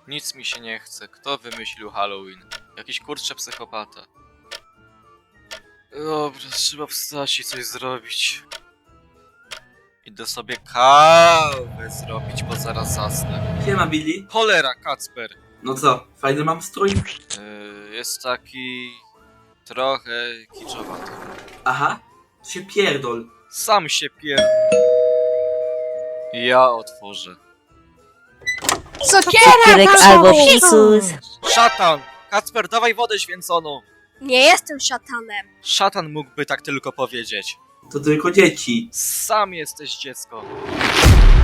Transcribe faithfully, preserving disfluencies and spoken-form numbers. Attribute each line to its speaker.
Speaker 1: Nic mi się nie chce. Kto wymyślił Halloween? Jakiś kurczę psychopata. Dobra, trzeba wstać i coś zrobić. Idę sobie kawę zrobić, bo zaraz zasnę.
Speaker 2: Siema, Billy.
Speaker 1: Cholera, Kacper!
Speaker 2: No co, fajny mam strój?
Speaker 1: Yy, jest taki... trochę kiczowaty.
Speaker 2: Aha, to się pierdol.
Speaker 1: Sam się pier... Ja otworzę.
Speaker 3: Cukierek albo fikus.
Speaker 1: Szatan! Kacper, dawaj wodę święconą!
Speaker 3: Nie jestem szatanem.
Speaker 1: Szatan mógłby tak tylko powiedzieć.
Speaker 2: To tylko dzieci.
Speaker 1: Sam jesteś dziecko.